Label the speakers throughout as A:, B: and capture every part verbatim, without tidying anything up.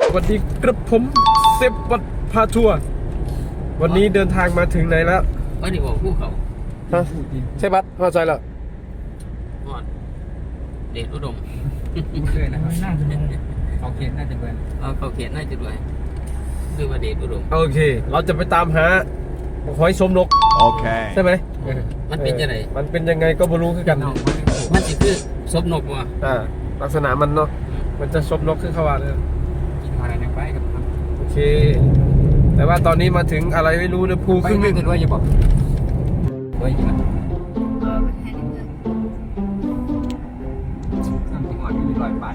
A: วัสดีครับผมเซฟวัดพาทัวร์วันนี้เดินทางมาถึงไหนแล้ว
B: ไม่ได้บอกผู้เขา
A: ฮะใช่บัตเข้าใจแล้ว
B: หอดเดชอุดม
C: เคยนะครับน่าจะเขาเขียนน่าจะเป็น
B: เอาเขาเขียนน่าจะด้วยคือว่าเดชอุดม
A: โอเคเราจะไปตามหาหอยสมนกโอเคใช่ไหม
B: มันเป็นยังไง
A: มันเป็นยังไงก็ไม่รู้คือกัน
B: มันจะคือซบนกว่ะ
A: อ่าลักษณะมันเนาะมันจะซบนกขึ้นเข้ามาเลย
C: กินอะไรไปกับ
A: โอเคแต่ว่าตอนนี้มาถึงอะไรไม่รู้นะภูขึ้น
C: ไม่ด้วยอย่าบอกด้วยจริงไหมน้ำจิ้มอ่อนมีรอยไป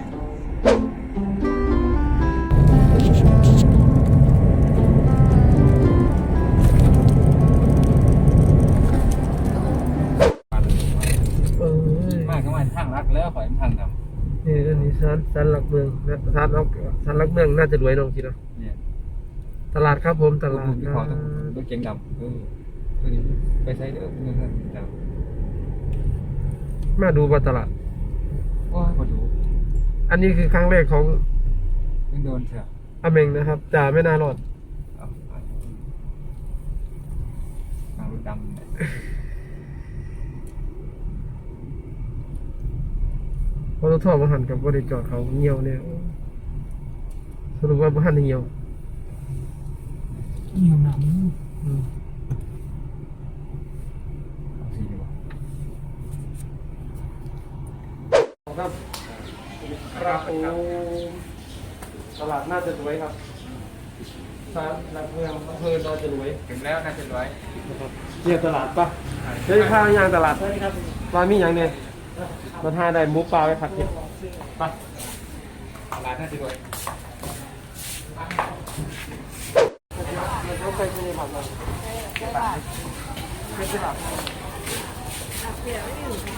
C: มากก็มาทางรักแล้วขอทางดำ
A: นี่อันนี้ร้านร้านหลักเมืองนะร้านเอาร้านหลักเมืองน่าจะรวยน้องคิดเนาะตลาดครับผมตลาด
C: นะรถเก๋งดำเออไปใช้เด้อเงินด
A: ำมาดูว่าตลาด
C: ว้ามาดู
A: อันนี้คือครั้งแรกของ
C: ยังโดนเถอะ
A: อเมงนะครับจ่าไม่น่ารอด
C: ทางรถดำ
A: พอรถท่อมาหันกับบริจอดเขาเงียวเนี่ยสรุปว่าบ้านเงียว
C: เงียวหนัง
A: ครับครับโอ้ตลาดน่าจะรวยครับร้านหลักเมืองอำเภอน่าจะรวย
C: ถึงแล้วน่าจะรวย
A: เนี่ยตลาดปะเฮ้ยข้าวยางตลาดร้านมีอย่างเนี่ยมันหาได้หมูปลาไปผัดเผ็ดปะ
C: ตลาดน่าจะรวย
A: เขาเคยมีผัดอะไรไม่ใช่ผัดเดี๋ยว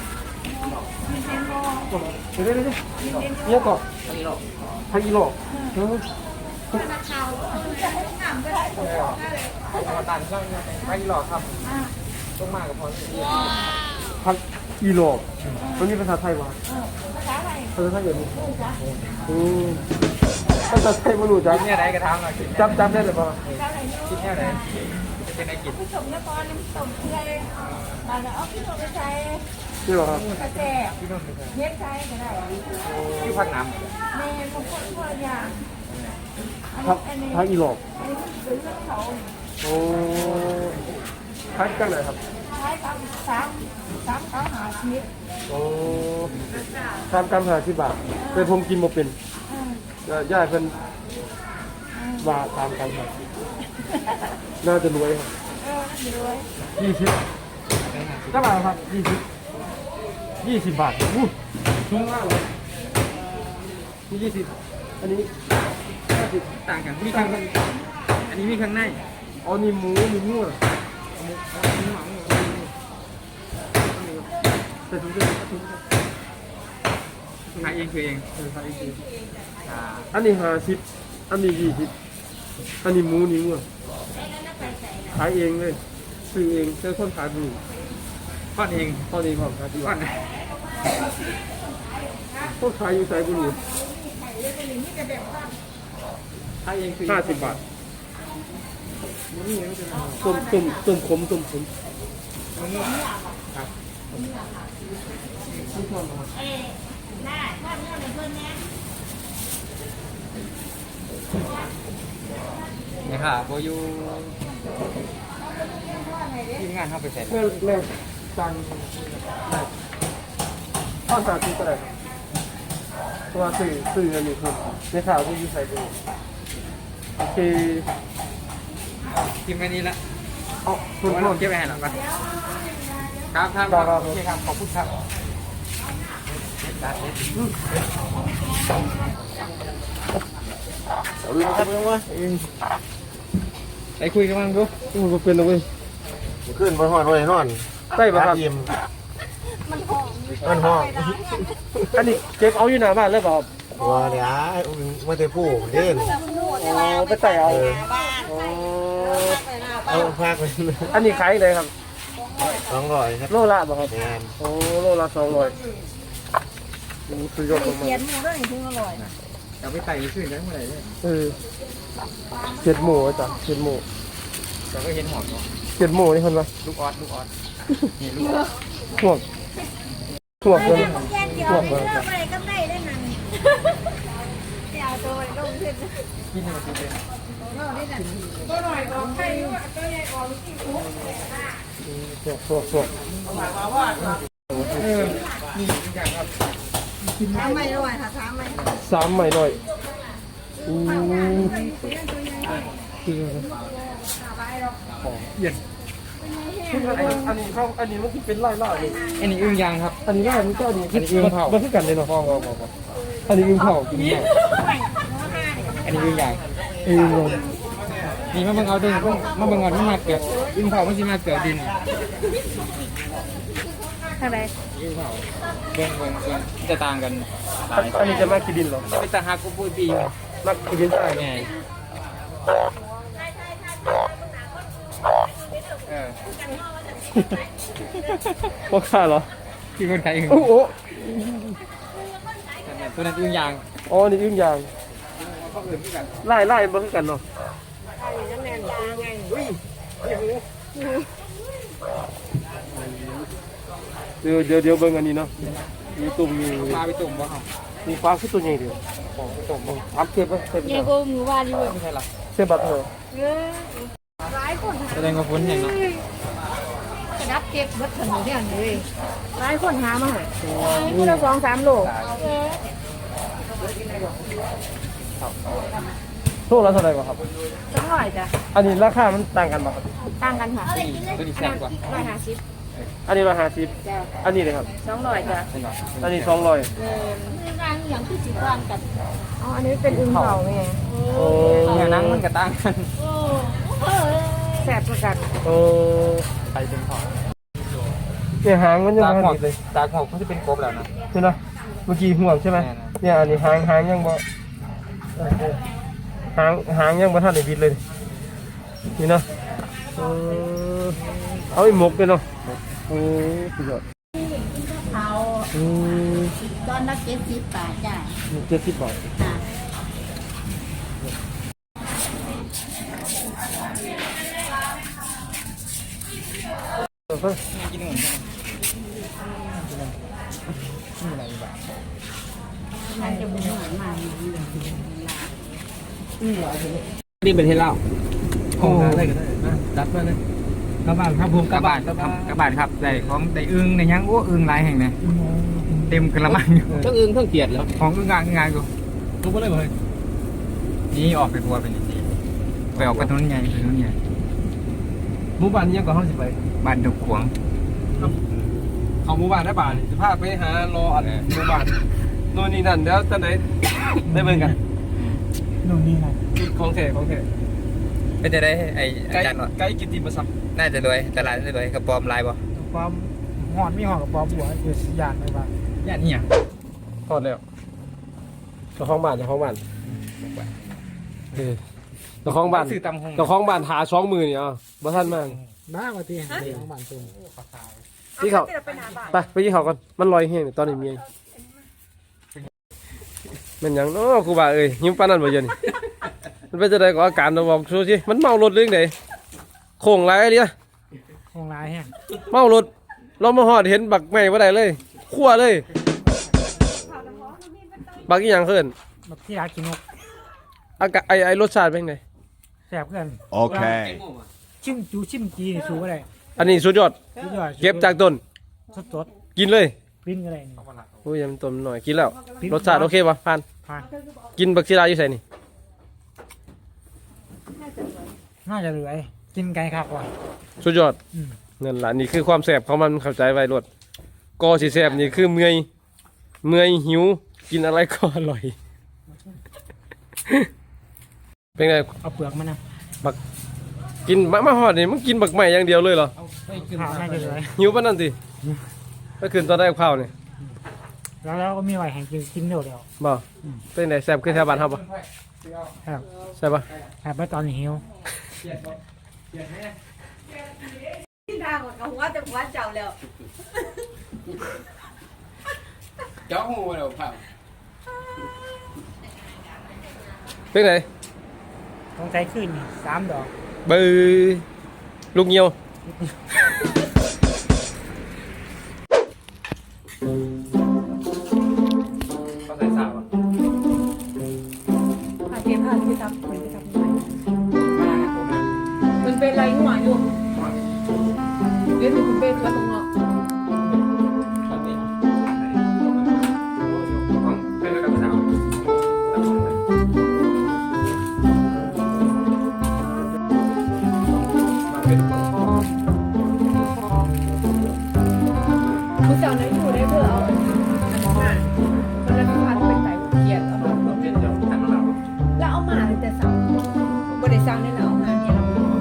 A: เดี๋ยวเดี๋ยวเดี๋ยวก่อนพักิโลพักิโลเออ
C: ตันช่างพักิโลครับต้องมากกับพอ
A: พักิโลมันมีภาษาไทยวะภาษาไทยอย่างนี้อืมภาษาไทยมันรู้จัก
C: เนี่ยไหนกระทำหน่อย
A: จำจำได้หรือเปล่า
C: คิดเนี่ยไหนเป็นไงกิน
D: ผู้ชมนครน้ำต้มเกลือมาแล้วเอาพี่โนไปใช้
A: นี่หรอครับ
D: กระแจเย็ดใช้ก็ได้
C: ที่พักน้ำ
D: แม่บางคนก็อย่าง
A: พักพักอีหลอก
D: อันนี้มันซื้อเขา
A: โอ้พักจังไหนครับ
D: ใช้ตามสามสามเก้าหาชิป
A: โอ้สามกรัมหาสิบบาทแต่ผมกินมาเป็นย่าเป็นบาทสามกรัมครับน่าจะรวยครับ
D: เออน่าจะรวย
A: ยี่สิบก็บาทครับยี่สิบยี่สิบบาทอู้ชุ่มมากเลยนี่ยี่สิบอันนี้ห้าสิบ
C: ต่างกันมีข้างอันนี้มีข้างใน
A: อ๋อนี่หมูนี่หมูอ่ะแต่ถุงเดียวถุง
C: ขายเองคือเอง
A: ขายเองคืออันนี้ห้าสิบอันนี้ยี่สิบอันนี้หมูนี่หมูอ่ะขายเองเลยซื้อเองเจอคนขายดู
C: ทอดเอง
A: ทอดเองครับครับ
C: ทอด
A: ต้นขายอยู่ใส่บุหรี่
C: ขายเองคือ
A: ห้าสิบบาทต้มต้มต้มขมต้มขมครับ
C: นี่ค่ะโบยูทีมงานเข้าไปเสร็จ
A: เริ่มเริ่มสั่งข้าวสารที่อะไรตัวสื่อสื่ออันนี้ครับในข่าวที่ยูใส่ดูโอเค
C: ทีมแค่นี้ละ
A: อ๋อคุณพ่อ
C: เก็บไปให้หรอปะครับครับโอเคครับขอบคุณครับ
A: เอาเลยครับเพื่อนวะ
C: ไปคุยกันบ้างดู
A: มันเป็นอะไร
E: ขึ้นบนห้องเลยนอน
A: ใต้ปะครับ
D: มันหอม
E: มันห้อง
A: อันนี้เก็บเอาอยู่หน้าบ้านเลยเปล่า
E: ว้าเดี๋ยวมาเตะผู้เด่น
A: อ๋อไปใส่เอา
E: เอาพากไป
A: อันนี้ขายเลยครับ
E: สองร้อยครับ
A: โลละป่ะครับโอ้โลละสองร้อย
D: คือยกลงมาเขียนมูด้วยถึงอร่อย
C: เอาไปไต่ขึ้นได้เมื่อไหร่เนี่ย
A: เออเจ็ดหมูจ้ะเจ็ดหมู
C: เราก็เห็นหอมเนาะ
A: เจ็ดหมูนี่คนวะ
C: ลูกออดลูกออดนี่ลูก
A: ห่วงห่วง
D: เดี๋
A: เลย
D: วยผมแยกเดียวเลือกอะไรก็ได้ได้นั่นเดี๋ยวตัวลงขึ้น
C: กินมากินเลย
A: ห่วงห่วงห่วง
C: เออนี่ทุกอย่างครับ
D: ถามไม่ด้วยค่ะถามไม่
A: สามใหม่หน่อยอืมคือ
C: เย็น
A: อันนี้อันนี้เขาอันนี้มันคือเป็นไล่ล่าเลย
C: อันนี้อึ้งยางครับ
A: อันนี้ไล่มันก็อันนี้
C: อันนี้อึ่งเผา
A: มันคือกันเลยเนาะพ่อพ่อพ่ออันนี้อึ่งเผาอึ่งเผา
C: อันนี้อึ้งยาง
A: อึ่งเลย
C: นี่มาเบิ่งเอาดิมาเบิ่งเอาที่มาเกิดอึ้งเผามันสิมาเกิดดิน
D: อะไร
C: อึ้งเผาเบิ่งเบิ่งเบิ่งจะต่างกันหลาย
A: อันนี้จะมากินดินเหรอ
C: จะไปตาหากูปุ้ยปีอยู่
A: มากินดินใต้
C: ไง
A: ไง
C: เออ
A: พ่อข้าเหรอ
C: คือคนไทยอึ้ง
A: โอ้โห
C: ตัวนั้นอึ้งยาง
A: อ๋อนี่อึ่งยาง
C: เขาอื่นที่กัน
A: ไล่ไล่มันคือกันเนาะเดี๋ยวเดี๋ยวเดี๋ยวเบิ่งอันนี้เนาะมีตุ่มมี
C: มาไปตุ่มบ่ครับ
A: มีฟ้าขึ้นตัวใหญ่เดียวของตุ่มอัพเทปไหมเทป
D: เนี่ยกูมือวาดีเว้ย
C: ไม่ใช่หรอ
A: เทปบัตรเถอะ
D: เออหลายคนหา
C: แสดงว่าฝนแห้งเนาะ
D: กระดับเก็บวัดถนนเนี่ยเลยหลายคนหามาหาคู่ละสองสามโล
A: โทษละเท่าไหร่กว่าครับ
D: สักหน่อยจ้ะ
A: อันนี้ราคามันต่างกันป่ะครับ
D: ต่างกันค่ะ
C: ตัวนี้ตัวนี้แซ่บกว่า
D: ร้อยห้าสิบ
A: อันนี้ร้อยห้าสิบ
D: จ้ะ
A: อันนี้เลยครับ
D: สองร้อยจ้ะ
A: อันนี้สองร้อย
D: เออร้านอย่างที่สิบร้านกันอ๋ออันนี้เป็นอึ่งเผาไง
A: โอ้
C: เนื้อหนังมันก็ต่างกัน
D: โอ้แซ่บเหมือนกัน
A: โอ้
C: ไข่เป็นหอม
A: เนี่ยหางมันยัง
C: ตา
A: ไม่
C: หอก
A: ติดเลย
C: ตาหอกมันจะเป็นกบแล้วนะ
A: ใช่ไหมเมื่อกี้ห่วงใช่ไหมเนี่ยอันนี้หางหางยังบ่เออเออหางหางยังบ่ทันได้บิดเลยนี่เนาะเออเอาไอ้หมกเลยเนาะโอ้สุดยอด
D: เขา
A: อืม
D: ตอนละเจ็ดสิบบาทจ้ะ
A: เจ็ดสิบบาท
D: ค่ะ
A: เออเพิ่น
C: กินหนึ่ง
D: มันจะเป็นหวานมาก
B: นี่เป็นเทเหล้า
C: โอ้อะไรก็ได้นะจัดมาเลยกระบาดครับผมกระบาดครับกระบาดครับได้ของได้อึ้งในยังโอ้อึ้งหลายแห่งเนี่ยเต็มกระมังอยู่
B: ทั้งอึ้งทั้งเกียดแล้ว
C: ของอึ้งงานงานกู
B: ทุกคนเลยเลย
C: นี่ออกไปทัวร์เป็นจริงไปออกไปถนนใหญ่ถนนใหญ่
A: หมู่บ้านนี้ยังก่อนเฮาสิไป
C: บ้านดกขวง
A: เขาหมู่บ้านได้บ้านจะพาไปหารออันหมู่บ้านโน่นนี่นั่นแล้วตอนไหนได้เบิ่งกัน
C: นู่นนี่นะ
A: ของแท้ของแท้
C: ก็จะได้ไอ้
A: ไก
C: อา
A: ด์
C: จารย์ว่า
A: ไกด์กิตติมศักดิ์
C: น่าจะรวยตลาดน่าจะรวยกระปอมลายบ่
F: ความหอนมีหอนกับปอบัวคือสยานไหมบ้าง
C: ย่านนี่อ่ะ
A: ทอดแล้วเจ้าของบ้านเจ้าของบ้านเออเจ้าของบ้าน
C: ซื้อตำหง
A: เจ้าของบ้านหาสองมือนี่อ่ะบ่ทันมาก
F: น้ากว่าที่เห็นของบ้านตุ่ม
A: พี่เขาไปไปยี่เขาก่อนมันลอยแห้งนี่ตอนนี้เมียมันหยังเนาะครูบาเอ้ยยิ้มปานนั้นบ่เดี๋ยอะนี่มันเป็นจะได้ก็อาการเราบอกสู้สิมันเมารถเรื่องไหนโค้งไรเดีย
F: ของลายแห้ง
A: เมารถเรามาหอดเห็นบักแม่บ่ได้เลยคั่วเลยบักอีหยังเพิ่น
F: แบบที่ร้านกินนก
A: อากาศไอไอรสชาติเป็นไง
F: แสบเพื่อน
E: Okay.
F: ชิมจูชิมจีนี่สูก็ได้
A: อันนี้สุดยอด
F: สุดยอด
A: เก็บจากต้น
F: สดสด
A: กินเลย
F: ๆปิ้นก็ได้นี่
A: โอ้ยมันต้นหน่อยกินแล้วรสชาติโอเคป่ะผ่าน
F: ผ่าน
A: กินบักชีราอยู่ใส่นี่
F: น่าจะเหลือกินไก่ครับว่ะ
A: สุดยอด
F: อืม
A: นั่นล่ะนี่คือความแสบของมันเข้าใจไว้รสกอสิแสบนี่คือเมื่อยเมื่อยหิวกินอะไรก็อร่อย เป็นไง
F: เอาเปลือกมันนะ
A: กินมามาหอดนี่มึงกินบักใหม่อย่างเดียวเลยเหรอ
F: ผ่านน่าจะเหลือ
A: หิวปะนั่นสิก็คืนตอนได้กับข้าวนี่
F: แล้วเราก็มีไหวแห่งกินกินเดี๋ยวเดียว
A: บ่เป็นไงแสบคือแถวบ้านครับบ่
F: ครับ
A: ใช่ปะ
F: แต่ไปตอนนี้หิว
D: ที่ทางกับหัวแต่หัวเจ้าแล้ว
B: เจ้าหูแล้วเผา
A: เป็นไง
F: ต้องใช้ขึ้นนี่สามดอก
A: เบอร์ลูกเงียว
B: ก็ใส่สาวอ่ะ
D: ผ่าเกมผ่าที่ทับเหมือนที่ทับไหนมันเป็นไรหัวอยู่เรียกถึงคุณเป็นตัวตรงเนาะ
B: เป็นกับสาว
D: ผู้สาวนั้นอยู่ได้เพื่อเอาอันนั้นมามันเลยพาเป็นไก่เขียดเอามาแล้วเอามาแต่สาวบริษัทนี่แหละเอามาเนี่ย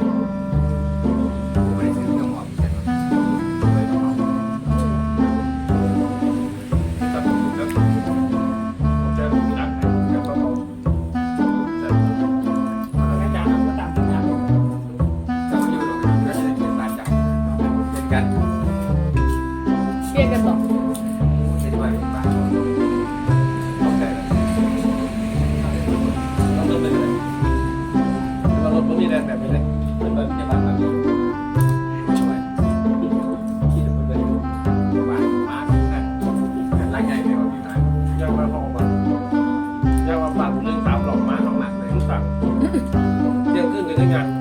D: เปลี่ยนกันบอก
B: เราลดมันมีแรงแบบนี้เลยเป็นแบบจะมาแบบนี้ช่วยคิดเป็นแบบมามาหลังใหญ่เลยว่าพี่นายยังมาพอมายังมาปากเรื่องสามหลอกมาต้องหนักเลยทุกสั่งเที่ยงขึ้นเลยได้ไง